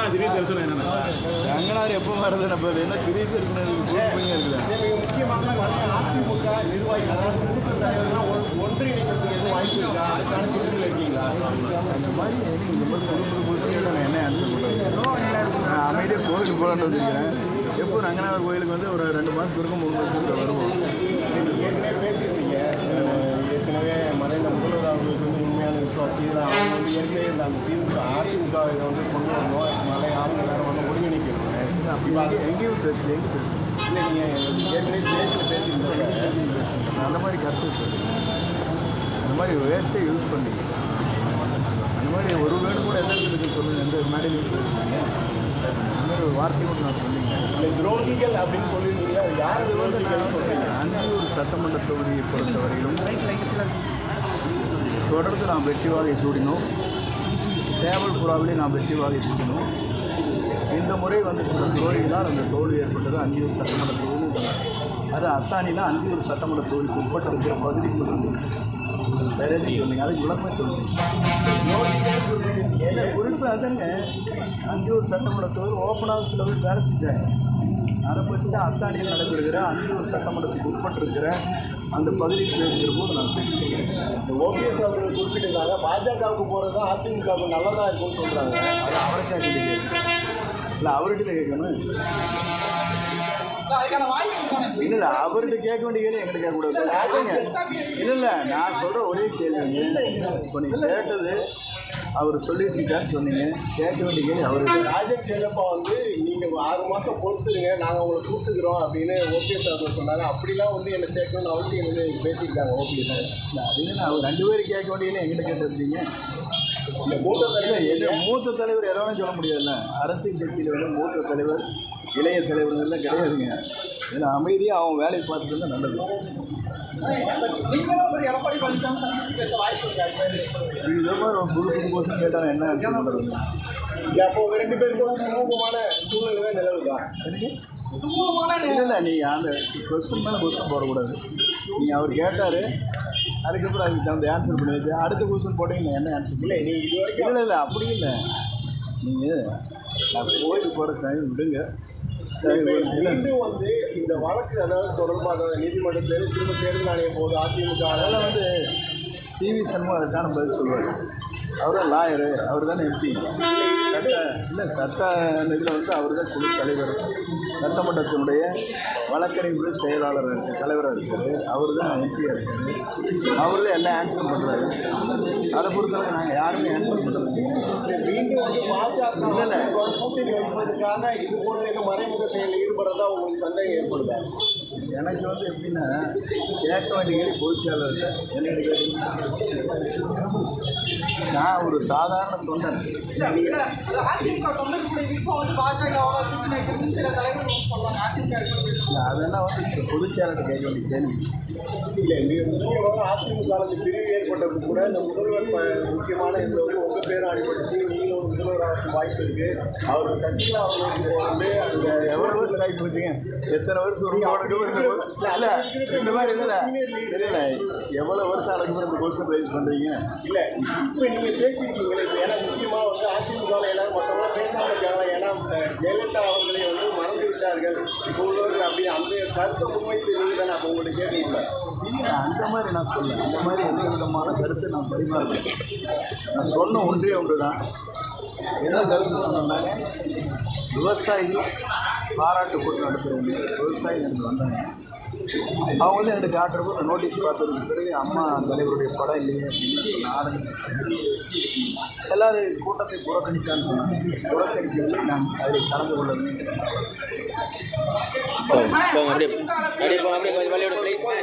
திடீர் தரிசனம் என்னன்னா ரங்கனார் எப்போ வருது நம்ம என்ன திடீர் தரிசனம் இருக்குல்ல. முக்கியமாக அதிமுக நிர்வாகிகள் அதாவது மூத்த தலைவர்கள்லாம் ஒன்றிணைக்கிறதுக்கு எதுவும் வாய்ப்பு இருக்கா? அதுக்கான திட்டத்தில் இருக்கீங்களா? அந்த மாதிரி இந்த மாதிரி புது நான் என்ன ஆன்சர் பண்ணுறேன். நான் அமைதியாக கோவிலுக்கு போகலான்னு வச்சுருக்கிறேன். எப்போ ரங்கநாதர் கோயிலுக்கு வந்து ஒரு 2 மாதத்துக்கு இருக்கும் 3 மாதத்துக்கு வருவோம். ஏற்கனவே பேசியிருந்தீங்க. ஏற்கனவே மறைந்த முதல்வர் அவர்களுக்கு வந்து உண்மையான விசுவாசி அவங்க வந்து ஏற்கனவே இந்த அந்த அதிமுக இதை வந்து கொண்டு வரணும், மலை ஆளுங்க எல்லாரும் வந்து ஒருங்கிணைக்கணும். இப்போ அது எங்கேயும் பேசு இல்லை, நீங்கள் ஏற்கனவே ஸ்டேஜில் பேசியிருந்தீங்க. அந்த மாதிரி கருத்து அந்த மாதிரி வேஸ்ட்டே யூஸ் பண்ணிங்க. அந்த மாதிரி ஒரு வேர்டு கூட எந்த இடத்துக்கு சொல்லுங்கள், எந்த மேடையிலையும் சொல்லுவீங்க. அந்த மாதிரி ஒரு வார்த்தை கூட நான் சொன்னீங்க. இல்லை, துரோகிகள் அப்படின்னு சொல்லியிருந்தீங்க. அது யார் அது வந்து துரோகிகள் நான் சொல்கிறீங்க? அந்தியூர் சட்டமன்ற தொகுதியை பொறுத்தவரையிலும் தொடர்ந்து நாம் வெற்றி வாகை சூடினோம். சேவல்புறாவிலே நாம் வெற்றி வாகை சூடினோம். இந்த முறை வந்து சில தோல்விகளால் அந்த தோல்வி ஏற்பட்டது அந்தியூர் சட்டமன்ற தொகுதி. அது அத்தானியில் அந்தியூர் சட்டமன்ற தொகுதிக்கு உட்பட்ட இருக்கிற பகுதி சொல்லுங்கள். வேற எதுவும் சொன்னீங்க, அதுக்கு விளக்கமே சொல்லுங்கள். என்ன குறிப்பு அதுங்க, அந்தியூர் சட்டமன்ற தொகுதி ஓப்பனாக சில பேர் வேலை செஞ்சாங்க. அதை பற்றி தான் அத்தானியில் நடைபெறுகிற அந்தியூர் சட்டமன்றத்துக்கு உட்பட்டிருக்கிற அந்த பகுதியில் இருக்கிற போது நான் பேசிக்கிறேன். ஓபிஎஸ் அவர்கள் குறிப்பிட்டிருந்தாங்க பாஜகவுக்கு போகிறது தான் அதிமுகவுக்கு நல்லதாக இருக்கும்னு சொல்கிறாங்க. அது அவருக்கே கேட்கணும். இல்லை அவர்கிட்ட கேட்கணும். இல்லை அவர்கிட்ட கேட்க வேண்டிய கேள்வி எங்கிட்ட கேட்கக்கூடாது. இல்லை நான் சொல்கிற ஒரே கேள்விங்க. இப்போ நீங்கள் கேட்டது அவர் சொல்லிட்டு இருக்கான்னு சொன்னீங்க. கேட்க வேண்டிய கேள்வி அவருக்கு. ராஜன் செல்லப்பா வந்து நீங்கள் 6 மாதம் பொறுத்துருங்க, நாங்கள் உங்களை கூப்பிட்டுக்கிறோம் அப்படின்னு ஓபிஎஸ் அவர்கள் சொன்னாங்க. அப்படிலாம் வந்து என்னை சேர்க்கணும்னு அவசியம் வந்து பேசியிருக்காங்க ஓபிஎஸ். இல்லை அதுன்னு அவர் 2 பேரும் கேட்க வேண்டியது எங்கிட்ட கேட்டிருந்தீங்க. இல்லை, மூத்த தலைவர் மூத்த தலைவர் எதாவது சொல்ல முடியாதுல்ல. அரசியல் கட்சியில் வந்து மூத்த தலைவர் இளைய தலைவர்கள்லாம் கிடையாதுங்க. இதில் அமைதியாக அவன் வேலையை பார்த்துட்டு இருந்தால் நல்லது. இது மாதிரி ஒரு புது கோஷம் கேட்டால் என்ன பண்ணுறது? அப்போ 2 பேருக்கும் சுமூகமான சூழ்நிலை தான் நிலவுதான். இல்லை நீங்கள் அந்த கொஸ்டின் மேலே கொஸ்டின் போடக்கூடாது. நீங்கள் அவர் கேட்டார், அதுக்கப்புறம் அதுக்கு தகுந்த ஆன்சர் பண்ணியாச்சு. அடுத்த கொஸ்டின் போட்டீங்கன்னா என்ன ஆன்சர்? இல்லை, நீ இது வரைக்கும் இல்லை அப்படி இல்லை. நீங்கள் நான் கோயிலுக்கு போகிற டைம் விடுங்க. மீண்டும் வந்து இந்த வழக்கு அதாவது தொடர்பாக நீதிமன்றத்தில் திரும்ப தேர்தல் ஆணையம் போது அதிமுக அதெல்லாம் வந்து சிவி சண்முகம் அதுக்கான பதில் சொல்லுவார். அவர் தான் லாயரு, அவர் தானே எம்பி. சட்ட இதில் வந்து அவர் தான் குழு தலைவர். சட்டமன்றத்தினுடைய வழக்கறிஞர் செயலாளர் தலைவராக இருக்கார். அவர் தான் எம்பியாக இருக்கார். அவர் தான் எல்லாம் ஆன்சர் பண்ணுறாரு. அதை பொறுத்தவரை நாங்கள் யாருமே ஆன்சர் பண்ணுறது. மீண்டும் வந்து பாஜக இல்லை கூட்டணி வைப்பதற்காக இது போன்ற மறைமுக செயலில் ஈடுபடுறதா உங்களுக்கு சந்தேகம் ஏற்படுதா? எனக்கு வந்து எப்படின்னா கேட்க வேண்டிய கேள்வி பொதுச்செயலாளர் நான் ஒரு சாதாரண தொண்டன். அதெல்லாம் வந்து பொதுச்செயலாளர் கேட்க வேண்டிய கேள்வி. இல்லை, முக்கியமாக அதிமுக பிரிவு ஏற்பட்டது கூட இந்த முதல்வர் முக்கியமான இந்த உங்கள் பேரும் அடிபட்டுச்சு. நீங்களும் ஒரு முதல்வராக வாய்ப்பு இருக்குது. அவர் சசிகலா அவர்களுக்கு வந்து அந்த எவ்வளோ வருஷம் ஆகி போச்சுங்க. எத்தனை வருஷம் இல்லை இந்த மாதிரி இல்லை எவ்வளோ வருஷம் அதுக்கப்புறம் இந்த கொஸ்டின் ரைஸ் பண்ணுறீங்க? இல்லை, இப்போ நீங்கள் பேசியிருக்கீங்களே. இப்போ ஏன்னா முக்கியமாக வந்து அதிமுகவில் எல்லாரும் மற்றவங்களாம் பேசாமல் இருக்காங்க. ஏன்னா ஜெயலலிதா அவர்களை வந்து மறந்து விட்டார்கள் இப்போ உள்ளவர்கள். அப்படி அந்த கருத்தை முன்வைத்து நீங்கள் தானே அப்போ உங்கள்கிட்ட கேட்கல. இல்லை அந்த மாதிரி நான் சொல்லேன். அந்த மாதிரி எந்த விதமான கருத்தை நான் பரிமாறுறேன். நான் சொன்ன ஒன்றே ஒன்று தான். என்ன கருத்து சொன்னாங்க, விவசாயிகள் பாராட்டு போட்டு நடத்துகிறவங்க விவசாயிகள் எனக்கு வந்தாங்க. அவங்க வந்து எனக்கு காட்டுறப்போ நோட்டீஸ் பார்த்ததுக்கு பிறகு அம்மா தலைவருடைய படம் இல்லையே அப்படின்னு நாடகம் எல்லாரும் கூட்டத்தை புறக்கணித்தான்னு சொன்னாங்க. புறக்கணிக்கவில்லை, நான் அதில் கலந்து கொள்ளவில்லை.